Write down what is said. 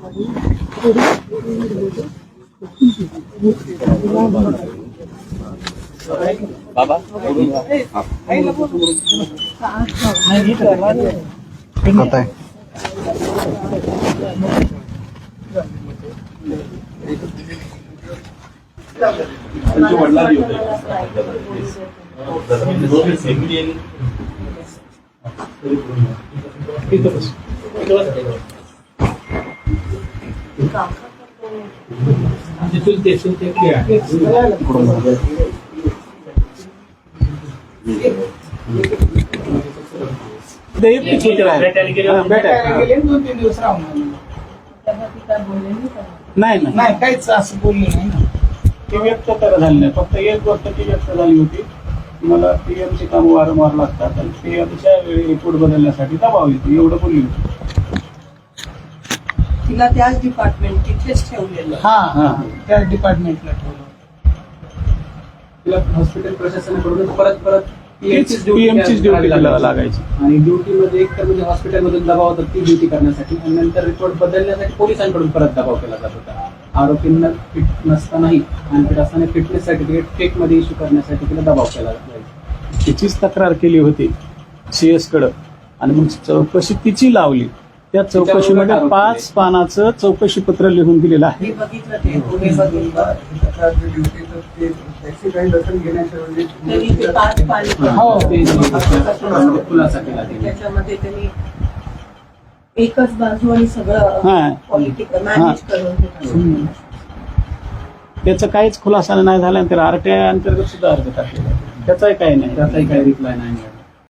बाबा नाही काहीच असं बोलले नाही ना. ती व्यक्त तर झाली नाही, फक्त एक गोष्ट ती व्यक्त झाली होती, मला पीएमची काम वारंवार लागतात आणि पीएमच्या वेळी रिपोर्ट बदलण्यासाठी दबाव येतो, एवढं बोलली होती. तिला त्याच डिपार्टमेंट तिथेच ठेवलेलं. हा त्या डिपार्टमेंटला ठेवलं. तिला हॉस्पिटल प्रशासनाकडून परत पीएमचीच ड्युटी लागायची आणि ड्युटीमध्ये एक तर म्हणजे हॉस्पिटलमधून दबाव होता ती ड्युटी करण्यासाठी आणि नंतर रिपोर्ट बदलण्यासाठी पोलिसांकडून परत दबाव केला जात होता. आरोपींना फिट नसतानाही अनफिट असताना फिटनेस सर्टिफिकेट फेक मध्ये इश्यू करण्यासाठी तिला दबाव केला जायचा. तिचीच तक्रार केली होती CS कडं आणि मग चौकशी तिची लावली. त्या चौकशीमध्ये 5 पानाचं चौकशी पत्र लिहून दिलेलं आहे. मी बघितलं ते पुणे बघितलं त्यांनी ते 5 पाणी हो. खुलासा केला तिने. त्याच्यामध्ये त्यांनी एकच बाजू आणि सगळं हा. पॉलिटिकल मॅनेज करून त्याचा काहीच खुलासा नाही झाला आणि त्याला RTI अंतर्गत सुद्धा अर्ज टाकलेला आहे. त्याचाही काही नाही. त्याचाही काही रिप्लाय नाही मिळाला.